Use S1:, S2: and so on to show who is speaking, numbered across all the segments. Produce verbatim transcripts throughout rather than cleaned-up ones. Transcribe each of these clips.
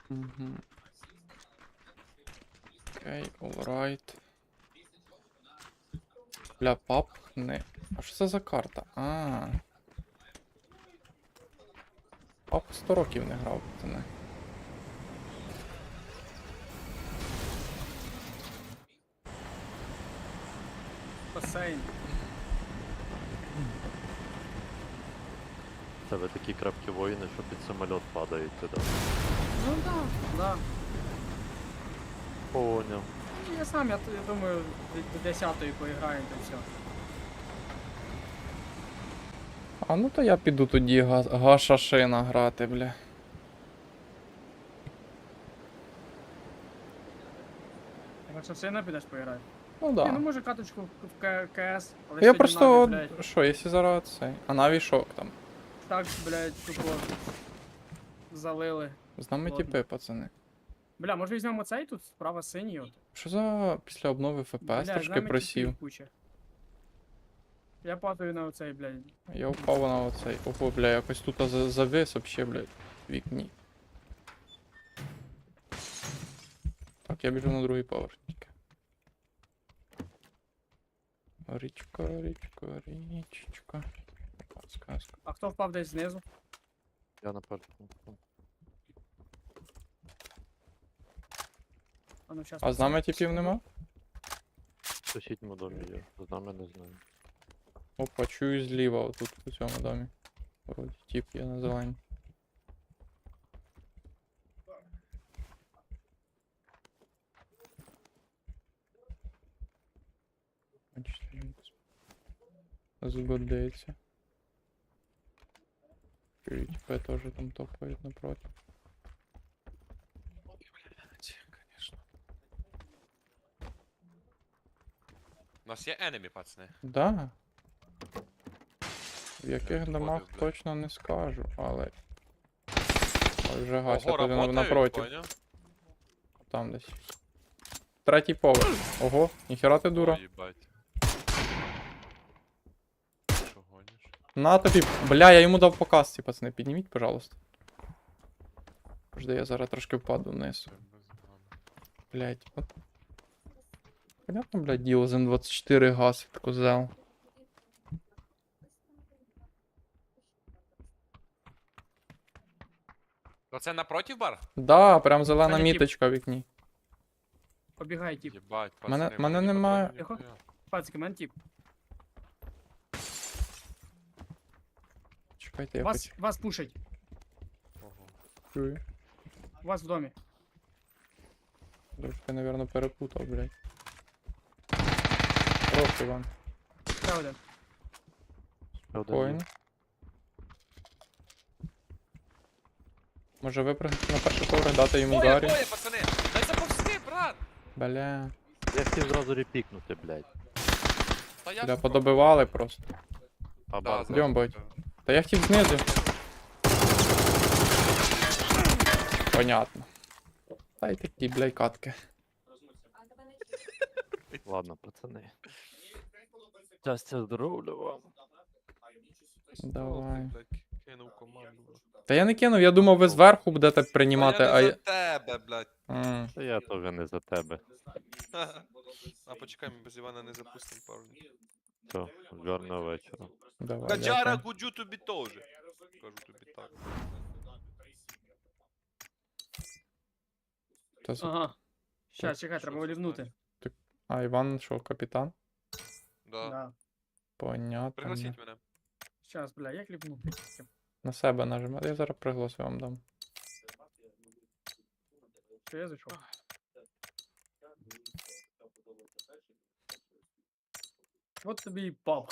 S1: Угу. Окей, alright. Бля, пап не. А що це за карта? А. Пап сто років не грав, пацани.
S2: Басейн.
S3: В тебе такі крапкі воїни, що під самоліт падають туди.
S2: Ну да, да.
S3: Поняв.
S2: Я сам, я, я думаю, до- до десятої поіграємо, то все.
S1: А ну то я піду тоді га гашашина грати, бля.
S2: Якщо сина підеш поіграти.
S1: Ну
S2: Да.
S1: да.
S2: Ні, ну може каточку в К- КС, але
S1: Я
S2: сьогодні
S1: просто.
S2: Наві, блядь,
S1: Що, якщо зараз цей. А наві шок там.
S2: так, блядь, тупо залили.
S1: З нами
S2: Ладно.
S1: тіпи, пацани.
S2: Бля, може візьмемо цей тут, справа синій от.
S1: Що за після обнови ФПС
S2: Бля, з
S1: трошки
S2: нами
S1: просів.
S2: тіпів куча. Я падаю на оцей, блядь.
S1: Я впав на оцей. Ого, бля, якось тут за- завис вообще, блядь, в вікні. Так, я біжу на другий поверх тільки. Річка, річка, річечка. Опа, сказка.
S2: А хто впав десь знизу?
S3: Я на першому.
S2: А ну щас.
S1: А з нами типів нема?
S3: В сусідньому домі є, з нами не знаю.
S1: Опа, чую зліва, отут у цьому домі. Вроді тип є на зелені. Згодиться. Типи теж там топають напроти.
S4: Конечно. У нас є enemy, пацани.
S1: Да. В яких
S4: підходив,
S1: домах
S4: блядь.
S1: точно не скажу, але. Ой, вже гася
S4: Ого,
S1: туди на-
S4: работають,
S1: напротив.
S4: поняв?
S1: Там десь. Третій поверх. Ого, ніхера ти дура.
S4: Ой, їбать. Що гониш?
S1: На тобі. Бля, я йому дав по касці, пацани. Підніміть, пожалуйста. Жди, я зараз трошки впаду вниз.
S4: Це без гана.
S1: Блять. От. Понятно, блядь, діло з М двадцять чотири гасить козел.
S4: Оце напротив бар?
S1: Да, прям зелена
S2: Саня, тіп.
S1: міточка в вікні.
S2: Побігай, тип.
S4: Єбать,
S1: Мене-
S4: пацани.
S1: мене
S4: ні
S1: немає-
S4: патронів,
S2: Тихо.
S4: ніхуя.
S2: Пацики, мен тип.
S1: Чекайте, я
S2: Вас,
S1: хоч
S2: вас пушать.
S4: Ого.
S1: чую.
S2: Вас в домі.
S1: Трошки, напевно, перепутав, блядь. Хороший Іван.
S2: Ще один.
S3: Ще один
S1: Спокійно.
S3: є.
S1: Може випрыгнути на перший поверх, дати йому
S4: Двоє,
S1: гарі.
S4: двоє, пацани! Дай заповзти, брат!
S1: Бля.
S3: Я хотів зразу репікнути, блядь.
S4: Та я
S1: Бля,
S4: ж
S1: подобивали просто.
S3: А
S4: Да,
S3: бар
S4: да.
S1: Йдем, бать. Та я хотів знизу. Понятно. Та й такі, блядь, катки.
S3: Ладно, пацани. Щастя, здоров'я вам.
S1: Давай.
S4: Блядь, кинув команду.
S1: Та я не кинув, я думав, ви зверху будете приймати,
S4: Та
S1: а
S4: я
S1: я.
S4: не за тебе, блядь.
S1: М,
S3: Та я теж не за тебе.
S4: А почекай, ми без Івана не запустимо парні.
S3: Все, гарного вечора.
S1: Давай.
S4: Каджара
S1: дякую.
S4: гуджу тобі теж. Кажу тобі так.
S1: Та з-
S2: Ага. Щас,
S4: Що
S2: чекай, треба
S4: це
S2: вилівнути.
S1: А Іван що, капітан?
S4: Да.
S2: Да.
S1: Понятно.
S4: Пригласіть мене.
S2: Щас, бля, як ліпнути?
S1: На себе нажимати. Я зараз приголос вам дам.
S2: Що я зайшов? От тобі і пап.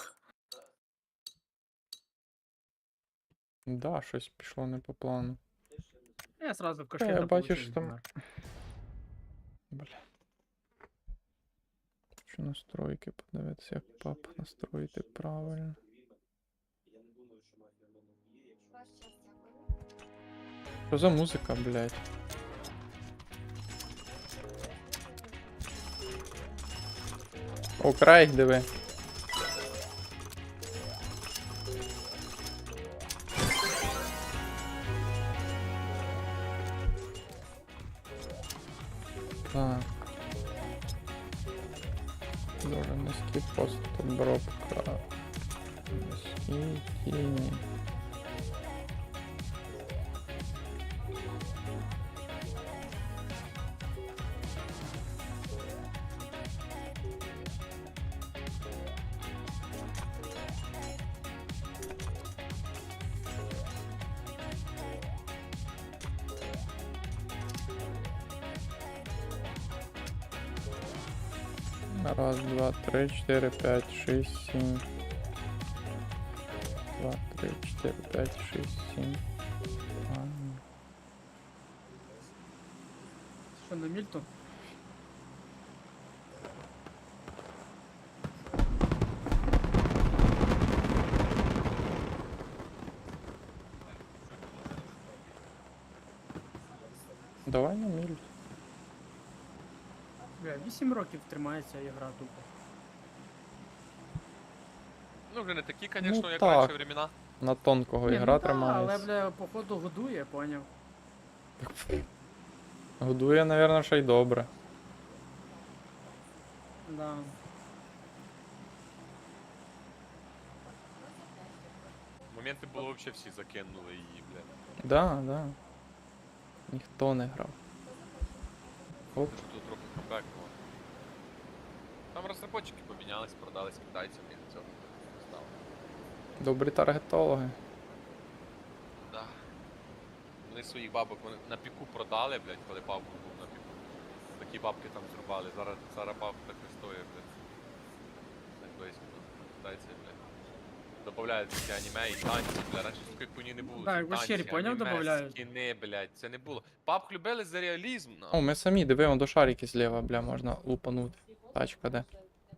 S1: Да, щось пішло не по плану.
S2: Я сразу в
S1: Та,
S2: кошель
S1: я
S2: да
S1: бачу,
S2: получил
S1: що там-
S2: динар.
S1: Бля. Хочу настройки подивитися, як пап настроїти правильно. Що за музика, блядь? О, край, диви. Дуже низький пост обробка. Низькі тіні. Раз, два, три, четыре, пять, шесть, семь. Два, три, четыре, пять, шесть, семь. А,
S2: Що на мільту?
S1: Давай на міль.
S2: Бля, вісім років тримається ігра тупо.
S4: Ну, вже не такі, звісно,
S1: Ну,
S4: як
S1: так.
S4: раніше времена.
S1: На тонкого
S2: Ні,
S1: ігра
S2: ну та,
S1: тримається.
S2: але, бля, походу годує, поняв.
S1: Годує, напевно, ще й добре.
S2: Да.
S4: Моменти було взагалі всі закинули її, бля.
S1: Да, да. Ніхто не грав. Оп.
S4: Що тут трохи комбекнуло. Там розробники помінялись, продались китайцям і цього не стало.
S1: Добрі таргетологи.
S4: Да. Вони своїх бабок вони на піку продали, блядь, коли бабку був на піку. Такі бабки там зрубали. Зараз, зараз бабка так не стоїть, блядь. Так близько. Китайці, блядь. Добавляють такі аніме і танці, блядь. Раніше такої хуйні не було.
S2: Да,
S4: Ці
S2: як в
S4: танці,
S2: Ощері, поняв,
S4: аніме,
S2: добавляють?
S4: скіни, блядь. Це не було. Бабк любили за реалізм,
S1: О,
S4: нахуй.
S1: ми самі дивимо до шарики зліва, бля, можна лупанути. Тачка де.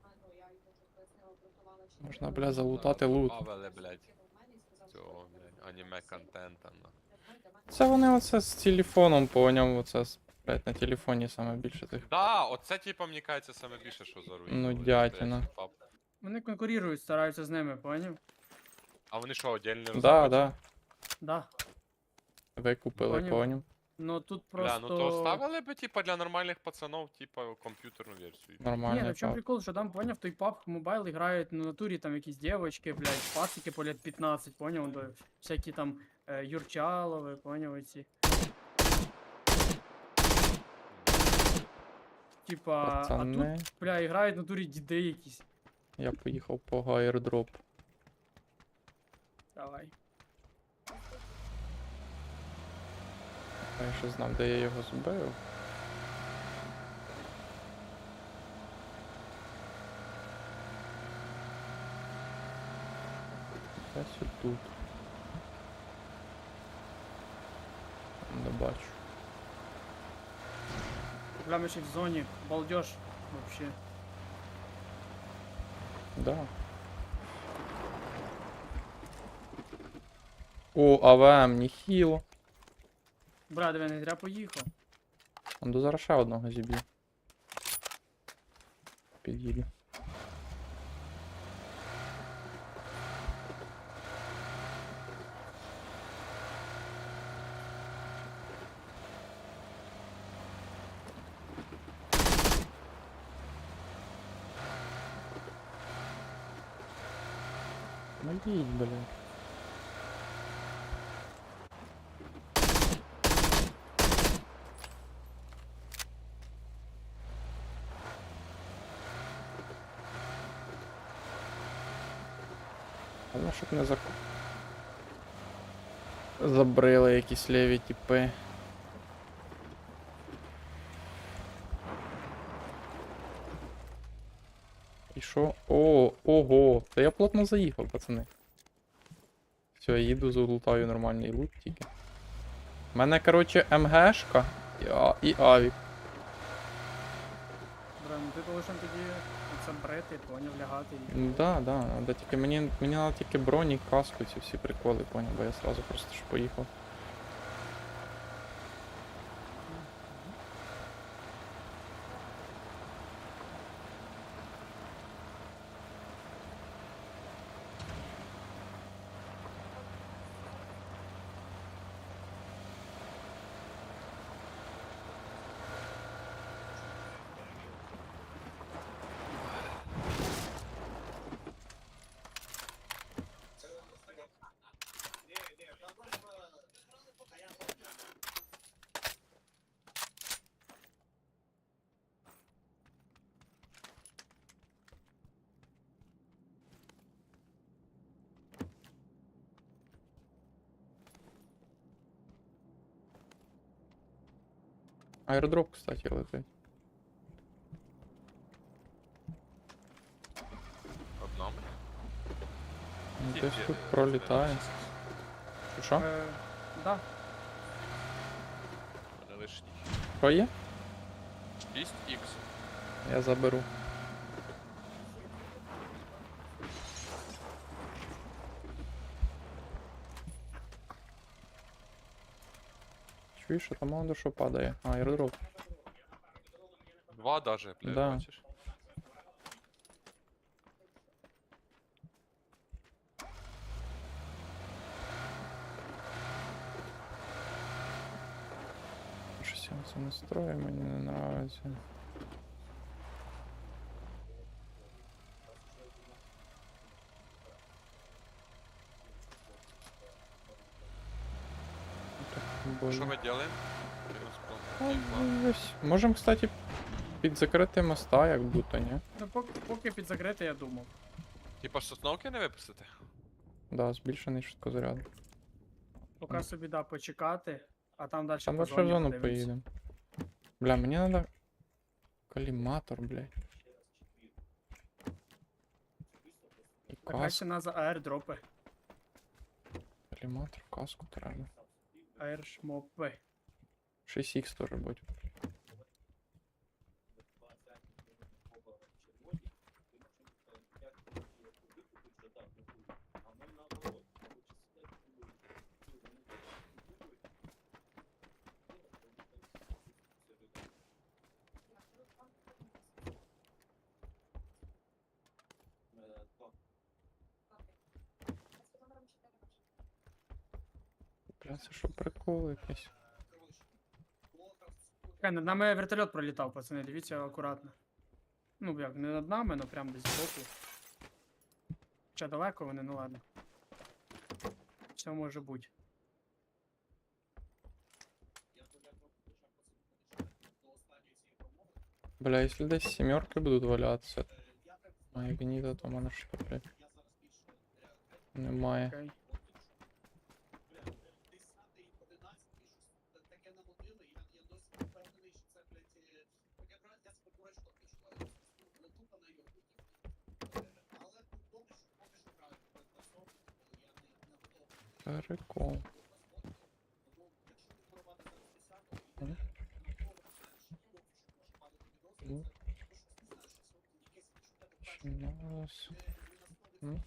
S1: Можна, бля, залутати лут.
S4: Добавили, блядь. Цього, блядь, аніме контента, нахуй.
S1: Це вони оце з телефоном поняв, оце з- блядь, на телефоні саме більше тих.
S4: Да, оце типа, мені кажеться, саме більше, що заруїнило.
S1: Ну, дятіна.
S2: Вони конкурують, стараються з ними, поняв?
S4: А вони що, отдельні
S1: Да,
S4: розробники?
S1: да.
S2: Да.
S1: Викупили,
S2: Поняв.
S1: поняв.
S2: Ну тут
S4: Бля,
S2: просто...
S4: ну то ставили би, типа, для нормальних пацанов, типа, комп'ютерну версію.
S2: Ні,
S1: Нормально.
S2: ну в чому
S1: так.
S2: прикол, що там, поняв, той паб мобайл грають на натурі там якісь дівочки, блядь, пацики по лет пятнадцать, поняв, до всякі там е, Юрчалови, поняв, оці. Типа, а тут,
S1: Пацани,
S2: бля, грають на натурі діди якісь.
S1: я поїхав по гайрдроп.
S2: Давай.
S1: Я ще знав, де я його збив. Десь отут. Не бачу.
S2: Бля, ми ще в зоні, балдеж, вообще.
S1: Да. О, АВМ, ніхіло.
S2: Бля, диви, не зря поїхав.
S1: Он до зараз ще одного зіб'ю. Під'їду. Ну їдь, блядь. Головне, щоб не зак... Забрили якісь ліві тіпи. І що? О, ого! Та я плотно заїхав, пацани. Все, я їду, залутаю нормальний лут тільки. У мене, коротше, МГшка і, а... і авік.
S2: Бля, ну ти повинен тоді це брити, поняв, лягати і...
S1: Ну да, да, надо тільки мені, мені надо тільки броні, каску, ці всі приколи, поняв, бо я сразу просто ж поїхав. Аеродроп, кстати, летить.
S4: Одному.
S1: Ну,
S4: Тільки,
S1: десь тут
S4: е,
S1: пролітає. Що, Що?
S2: Е, да.
S4: У мене лишній.
S1: Що є?
S4: шість ікс.
S1: Я заберу. Чуєш, що там мало що падає. А, аеродроп.
S4: Два даже, блядь,
S1: Да.
S4: бачиш?
S1: Щось я це настрою, мені не нравиться. Так,
S4: Що
S1: больно.
S4: ми робимо?
S1: Ну, ось. Можем, кстати, під закрити моста, як будто, ні?
S2: Ну, поки, поки під закрите, я думав.
S4: Типа сосновки не випустити?
S1: Да, збільшений швидкозаряд.
S2: Поки собі да, почекати, а там далі
S1: Там
S2: по
S1: дальше в
S2: зоні
S1: зону
S2: подивимось.
S1: поїдемо. Бля, мені надо коліматор, блядь. І
S2: Так краще
S1: каску.
S2: на за аердропи.
S1: Коліматор, каску треба.
S2: Аершмопи.
S1: шість ікс теж будь. Бля, це що прикол якийсь.
S2: Чекай, над нами вертольот пролітав, пацани, дивіться акуратно. Ну як, не над нами, але прям десь збоку. Хоча далеко вони, ну ладно. Все може бути.
S1: Бля, якщо десь сімерки будуть валятися. А як ні, то в мене що, блядь. Немає.
S2: Окей.
S1: Прикол. М? Ну. Щас. М?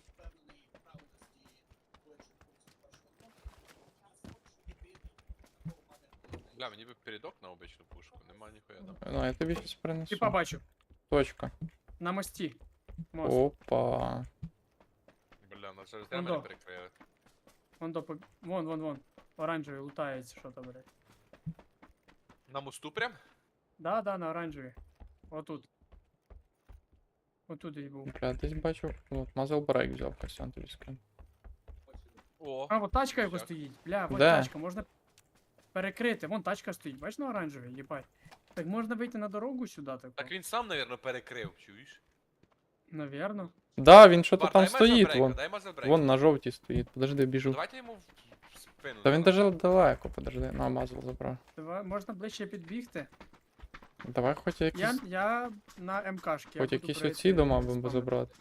S4: Бля, мені би передок на обичну пушку, нема ніхуя там.
S1: Ну, я тобі щось принесу.
S2: Типа бачу,
S1: Точка.
S2: на мості. Мост.
S1: Опа.
S4: Бля, нас через
S2: Вон
S4: мене
S2: до.
S4: перекрили.
S2: Вон до, поб- вон, вон, вон. Оранжевий лутається, що там, блядь.
S4: На мосту прям?
S2: Да, да, на оранжевій. Отут. Отут і був.
S1: Бля, десь бачу. От, мазал брейк взяв, Костян тобі скину.
S4: О,
S2: А, от тачка його
S4: Як?
S2: стоїть. Бля, вот
S1: Де?
S2: тачка, можна перекрити. Вон тачка стоїть, бачиш на оранжевій, їбать. Так можна вийти на дорогу сюди, таку?
S4: так він сам, навірно, перекрив, чуєш?
S2: Навірно.
S1: Да, він що то
S4: Бар,
S1: там
S4: дай мазер
S1: стоїть,
S4: брейка,
S1: вон.
S4: дай мазер брейка.
S1: Вон на жовтій стоїть. Подожди, біжу.
S4: Давайте йому в спину.
S1: Та він
S4: задамо.
S1: даже далеко, подожди. На, мазал забрав.
S2: Давай, можна ближче підбігти.
S1: Давай хоч
S2: Я,
S1: якісь,
S2: я на МКшки. я
S1: хоч
S2: буду
S1: якісь
S2: брати
S1: оці дома будемо
S2: спавнити.
S1: забрати.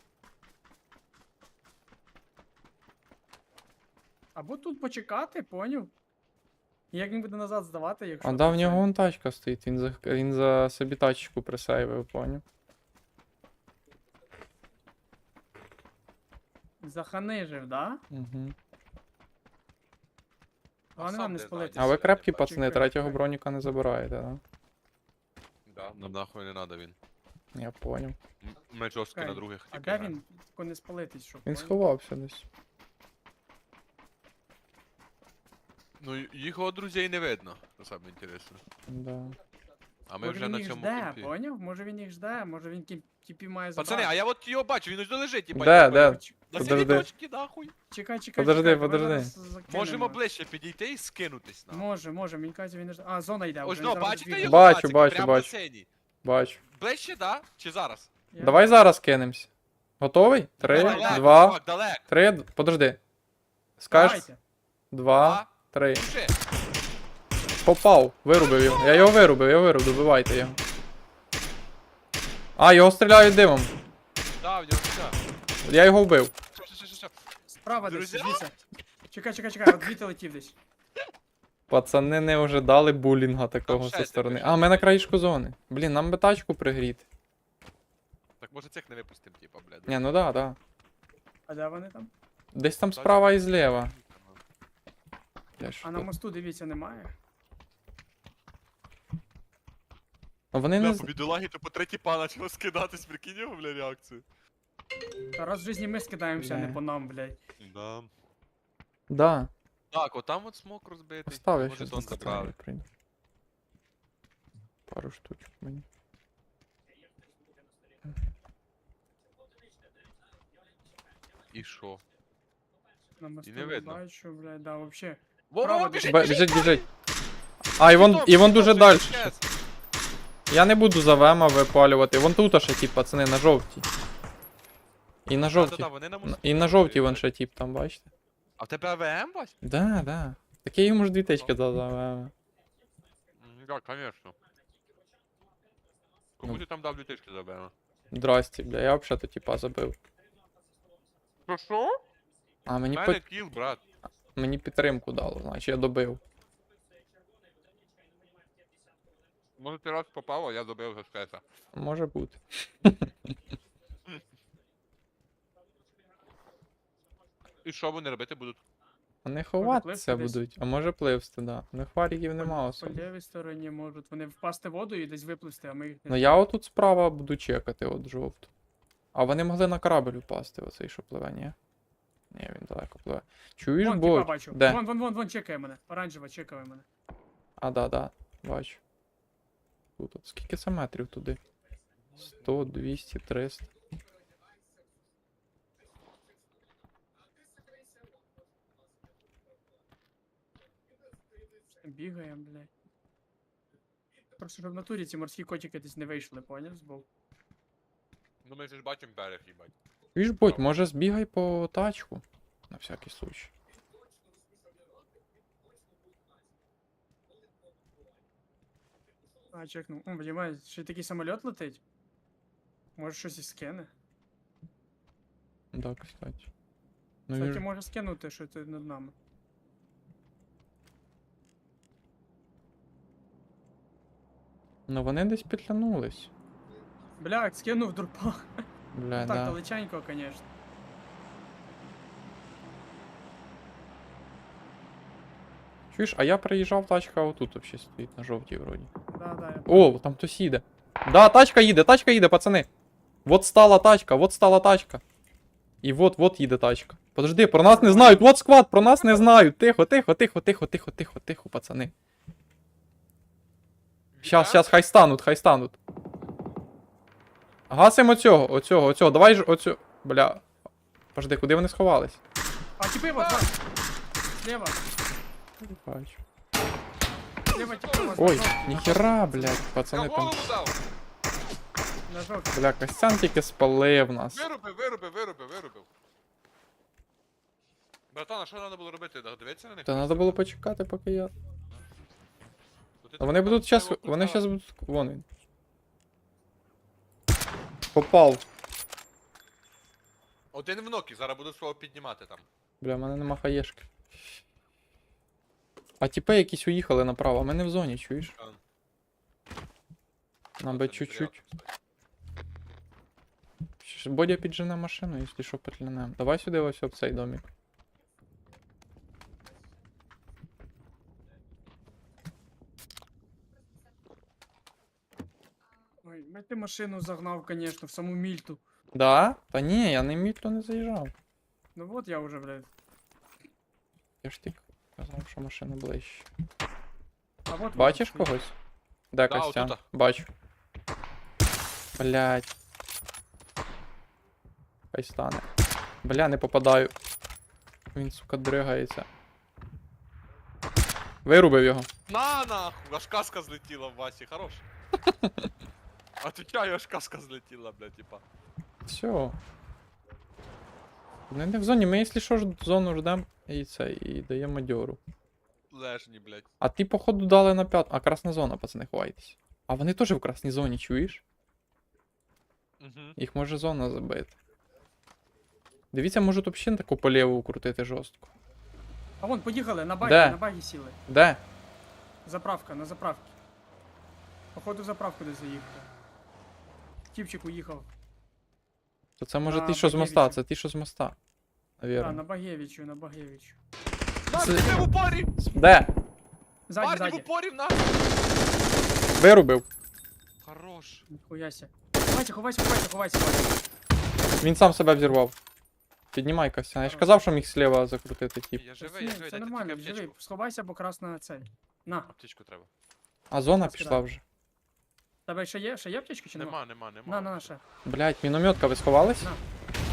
S2: Або тут почекати, поняв? Як він буде назад здавати, якщо...
S1: А да, в
S2: це-
S1: нього вон тачка стоїть, він за, він за собі тачку присейвив, поняв?
S2: Заханижив, да?
S1: Угу.
S2: Головне
S4: сам
S2: нам не
S4: де
S2: спалити.
S1: А ви
S4: Чекай,
S1: крепкі
S4: чекай,
S1: пацани,
S2: чекай,
S1: третього
S2: чекай.
S1: броніка не забираєте, да?
S4: Да, нам нахуй не надо він.
S1: Я поняв.
S4: М- Ми жорстко
S2: Чекай,
S4: на других
S2: А
S4: тільки
S2: де
S4: граємо.
S2: він? Тако не спалитись, щоб...
S1: Він
S2: поняв?
S1: сховався десь.
S4: Ну, й- його друзей не видно, що саме інтересно.
S1: Да.
S4: А ми
S2: Може
S4: вже
S2: він
S4: на
S2: їх
S4: цьому
S2: жде,
S4: кемпі.
S2: поняв? Може він їх жде, може він кіп- тіпі має забрати.
S4: Пацани, а я от його бачу, він ось лежить, типа.
S1: Де, де?
S2: Ч-
S4: На
S1: Подожди.
S4: синій точці, нахуй.
S2: Чекай, чекай,
S1: Подожди,
S2: чекай, давай
S1: подожди.
S2: зараз закинемо.
S4: Можемо ближче підійти і скинутись на.
S2: Може, може, мені кажуть, він не жде. А, зона йде.
S4: Ось,
S2: вже
S4: ну,
S2: зараз
S4: бачите
S2: збігає.
S4: його?
S1: Бачу,
S4: пацики?
S1: бачу,
S4: Прямо
S1: бачу.
S4: на синій.
S1: Бачу.
S4: Ближче, да? Чи зараз?
S2: Я-
S1: Давай зараз кинемось. Готовий? Три,
S2: Давай, давай.
S1: два,
S4: Чувак, далеко.
S1: три. д- Подожди. Скажеш?
S2: Давайте.
S1: Два,
S4: Два.
S1: три.
S4: Пиши.
S1: Попав, вирубив його. Я його вирубив, я вирубив, добивайте його. А, його стріляють димом.
S4: Да, в нього все.
S1: Я його вбив.
S4: Що, що, що, що?
S2: Справа десь,
S4: Друзі?
S2: дивіться. Чекай, чекай, чекай, от звідти летів десь.
S1: Пацани не ожидали булінга такого
S4: Там
S1: зі
S4: ще
S1: сторони.
S4: ти
S1: А, ми на краєшку зони. Блін, нам би тачку пригріти.
S4: Так може цих не випустим, типа, блядь.
S1: Ні, ну да, да.
S2: А де вони там?
S1: Десь там справа і зліва. Я ж
S2: А на
S1: тут.
S2: мосту, дивіться, немає.
S1: А Вони не.
S4: Бля,
S1: з-
S4: по бідолагі то по третій пана почало скидатись, прикинь його, бля, реакцію.
S2: Та раз в житті ми скидаємося, а не
S1: Бля.
S2: по нам, блядь.
S4: Да.
S1: Да.
S4: Так, от там от смок розбитий.
S1: Постав, я
S4: Може,
S1: щас
S4: тон
S1: на
S4: забрали.
S1: забрали. Прийду. Пару штучок мені.
S4: І що?
S2: На мосту
S4: не
S2: не
S4: видно.
S2: бачу, блядь, да, вообще.
S4: Во,
S2: Право
S4: во,
S2: десь.
S4: біжить,
S1: Бе-
S4: біжить,
S1: Біжить,
S4: біжить!
S1: біжить. А, і вон, і вон дуже далі.
S4: Yes.
S1: Я не буду за вема випалювати. Вон тут ще тип, пацани, на жовтій. І на жовтій.
S4: Да-да-да, вони на
S1: Н-
S4: мосту.
S1: І на жовтій вон ще тип там, бачите?
S4: А в тебе АВМ, Вась?
S1: Да, да. Так я йому ж дві тички дав за вема.
S4: М, Так, конечно. Кому
S1: Ну.
S4: ти там дав лютички за АВМ?
S1: Здрасті, бля, я взагалі то типа забив.
S4: Що, що?
S1: А мені,
S4: Мене
S1: по...
S4: кіл, брат.
S1: мені підтримку дало, значить я добив.
S4: Може ти раз попав, а я добив за скета.
S1: Може бути.
S4: І що вони робити будуть?
S1: Вони ховатися
S2: пливти десь?
S1: будуть, а може пливсти, да. У них варіків нема
S2: По
S1: особо.
S2: лівій стороні можуть вони впасти в воду і десь випливти, а ми їх
S1: Ну
S2: не...
S1: я отут справа буду чекати, от жовту. А вони могли на корабль упасти, оцей, що пливе, ні? Ні, він далеко пливе. Чуєш,
S2: Вон, типа
S1: бо.
S2: бачу.
S1: Де?
S2: Вон, вон, вон, вон, чекає мене. Оранжева, чекає мене.
S1: А, да, да, бачу. Тут, от. Скільки це метрів туди? сто, двісті, триста.
S2: Бігаємо, блядь. Просто щоб в натурі ці морські котики десь не вийшли, поняв? Збоку.
S4: Ну ми ж бачимо берег, їбать.
S1: Чуєш, будь, може збігай по тачку? На всякий случай.
S2: А, чекнув. О, понімаєш, ще й такий самоліт летить. Може щось і скине.
S1: Да, кстати. Ну,
S2: Кстати,
S1: він... ж-
S2: може скинути, що ти над нами.
S1: ну вони десь підтягнулись.
S2: Бля, скинув дурпа.
S1: Бля,
S2: Так,
S1: да.
S2: далеченько, конечно.
S1: Чуєш, а я приїжджав, тачка отут вообще стоїть на жовтій вроді.
S2: Да, да, я...
S1: О, там хтось їде. Да, тачка їде, тачка їде, пацани. Вот стала тачка, вот стала тачка. І вот, вот їде тачка. Подожди, про нас не знають, вот сквад, про нас не знають. Тихо, тихо, тихо, тихо, тихо, тихо, тихо, пацани. Щас, щас, хай стануть, хай стануть. Гасим оцього, оцього, оцього, давай ж оцього. Бля. Подожди, куди вони сховались?
S2: А, типи, вот, вот. Слева,
S1: Бачу.
S2: слева, типи, вот.
S1: Ой,
S2: на жовтій,
S1: ніхера, блядь,
S4: Я
S1: пацани там.
S4: голову дав!
S2: На жовтій.
S1: Бля, Костян тільки спалив нас.
S4: Вирубив, вирубив, вирубив, вирубив. Братан, а що треба було робити? Дивитися на них?
S1: Та треба було почекати, поки я.
S4: То ти
S1: А вони
S4: там
S1: будуть
S4: свого
S1: щас. Вони
S4: кута-
S1: щас будуть. Вон він. Попав.
S4: Один в нокі, зараз буду свого піднімати там.
S1: Бля, в мене нема хаєшки. А тіпи якісь уїхали направо, а ми не в зоні, чуєш?
S4: А.
S1: Нам
S4: Це
S1: би
S4: не
S1: чуть-чуть.
S4: зря, кстати.
S1: Щ- Бодя піджене машину, якщо що, петлянем. Давай сюди ось об цей домик.
S2: Ой, блядь, ти машину загнав, конечно, в саму мільту.
S1: Да? Та ні, я не мітло не заїжджав.
S2: Ну вот я уже, блядь.
S1: Я ж тільки казав, що машина ближче.
S2: А вот
S1: Бачиш
S2: вот,
S1: когось? Де
S4: Да,
S1: Костян?
S4: отута.
S1: Бачу. Блять. Хай стане. Бля, не попадаю. Він, сука, дригається. Вирубив його.
S4: На нахуй! Аж каска злетіла в Васі, хорош. Отвечаю, аж каска злетіла, бля, типа.
S1: Все. Вони не в зоні, ми, якщо що, ж зону ждемо і це, і даємо дьору.
S4: лежні, блядь.
S1: А ті, походу, дали на п'яту. А красна зона, пацани, ховайтесь. А вони теж в красній зоні, чуєш?
S4: Угу.
S1: Їх може зона забити. Дивіться, можуть взагалі таку по ліву крутити жорстко.
S2: А вон, поїхали, на багі,
S1: Де?
S2: на багі сіли.
S1: Де?
S2: Заправка, на заправці. Походу заправку десь заїхав. Тіпчик уїхав.
S1: То це може
S2: На
S1: ті, що з моста,
S2: Багевичі.
S1: це ті, що з моста.
S2: А,
S1: Навірно.
S2: на Багевичу, на Багевичу.
S4: Нас,
S1: Це-
S4: ти в упорі!
S1: Де?
S2: Ззаді,
S4: Парні в
S2: ззаді.
S4: упорі в нас!
S1: Вирубив.
S4: Хорош.
S2: Хуяся. Ховайся, ховайся, ховайся, ховайся, ховайся.
S1: Він сам себе взірвав. Піднімай, Костян. Я ж казав, що міг сліва закрутити тіп.
S4: Я живий, я
S2: Ні,
S4: живий,
S2: Все
S4: дайте
S2: нормально,
S4: тільки
S2: живий.
S4: аптечку.
S2: Сховайся, бо красна цель. На,
S4: Аптечку треба.
S1: А зона
S2: Розкидаю.
S1: пішла вже.
S2: тебе ще є? Ще є аптечки чи нема?
S4: Нема, нема, нема.
S2: На, на, на, ще.
S1: Блять, мінометка, ви сховались?
S2: На.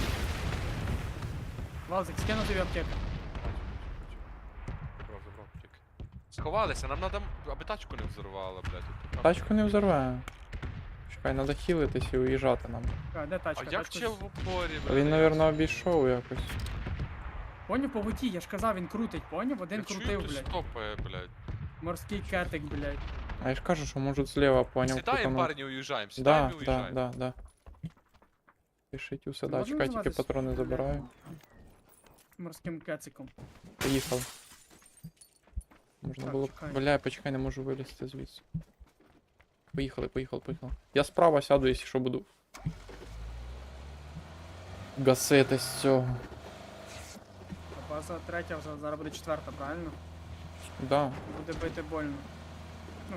S2: Валзик, скину тобі аптеку.
S4: Забрав, забрав, тільки. Сховалися, нам надо, аби тачку не взорвало, блядь. тут там-
S1: Тачку не взорве. Чекай, треба хілитись і уїжджати нам.
S2: А, де
S4: А
S2: тачка?
S4: як
S2: Тачку
S4: ще
S2: з-
S4: в упорі, блядь?
S1: Він, напевно, обійшов якось.
S2: Поняв по воді, я ж казав, він крутить, поняв? Один
S4: Я чую,
S2: крутив,
S4: хтось
S2: блядь.
S4: стопає, блядь.
S2: Морський кетик, блядь.
S1: А я ж кажу, що можуть зліва, поняв.
S4: Сідаємо,
S1: крутануть.
S4: парні, уїжджаємо,
S1: Да,
S4: сідаємо і
S1: да,
S4: уїжджаємо.
S1: да, да. Пишіть усе, да,
S2: Можна
S1: чекай, тільки
S2: називатись?
S1: патрони забираю.
S2: Морським кециком.
S1: Поїхав. Можна
S2: Так,
S1: було б.
S2: чекай.
S1: Бля, почекай, не можу вилізти звідси. Поїхали, поїхали, поїхали. Я справа сяду, якщо що буду. Гасити з цього.
S2: База третя, вже зараз буде четверта, правильно?
S1: Да.
S2: Буде бити больно. Ну,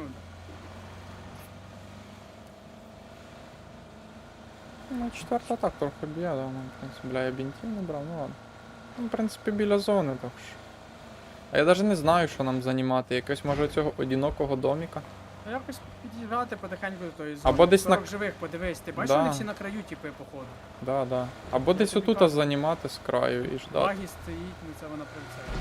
S1: Ну, четверта так трохи б'є, да, ну, в принципі, бля, я бінтів не брав, ну ладно. Ну, в принципі, біля зони, так що. А я навіть не знаю, що нам займати. Якось може цього одинокого доміка.
S2: ну якось підіграти потихеньку до тої зони.
S1: Або десь на-
S2: сорок живих, подивись, ти бачиш,
S1: Да.
S2: вони всі на краю, типи, походу.
S1: Да, да. Або десь
S2: тобі
S1: отут
S2: кажу.
S1: займати з краю і ждати.
S2: Багі стоїть, ну це вона при це.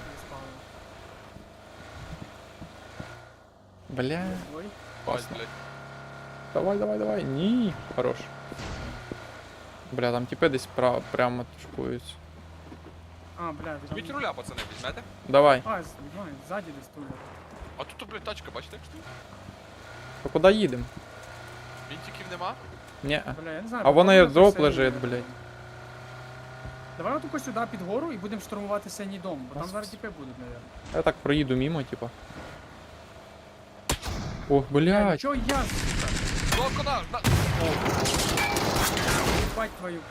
S1: Бля.
S2: Ой,
S4: Бать,
S1: Класно.
S4: блядь.
S1: Давай, давай, давай. Ні. Хорош. Бля, там типи десь пра- прямо тушкуються.
S2: а, бля, там...
S4: Візьміть руля, пацани, візьмете?
S1: Давай.
S2: А, з- ну, ззаді десь тут.
S4: А тут, блядь, тачка, бачите, як стоїть?
S1: То куди їдемо?
S4: Вінтиків нема?
S1: Ні.
S2: Бля, я не знаю.
S1: А вон
S2: походу,
S1: аердроп
S2: це
S1: лежить,
S2: синій.
S1: блядь.
S2: Давай отако сюди під гору і будемо штурмувати синій дом, бо там
S1: Нас
S2: зараз
S1: вс-
S2: тіпи будуть, мабуть.
S1: Я так проїду мимо, типа. Ох,
S2: Бля,
S1: блядь.
S2: чого я, сука?
S4: Золко на, на...
S2: Бать твою.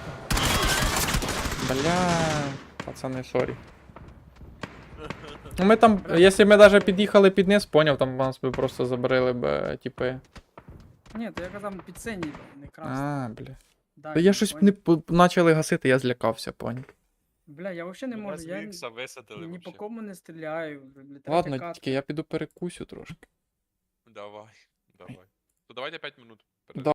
S1: Бля. Пацани, сорі. Ну ми там, якщо ми навіть під'їхали під низ, поняв, там нас би просто забрали б, е, типи.
S2: Ні, то я казав під синій, не красний.
S1: А, бля.
S2: Далі,
S1: Та я щось
S2: поняв?
S1: не по- почали гасити, я злякався, поняв.
S2: Бля, я взагалі не можу, я ні-
S4: Ікса висадили
S2: ні по
S4: вообще.
S2: кому не стріляю. Бля, третя
S1: Ладно,
S2: катка.
S1: тільки я піду перекусю трошки.
S4: Давай, давай. То давайте п'ять минут.
S1: Да.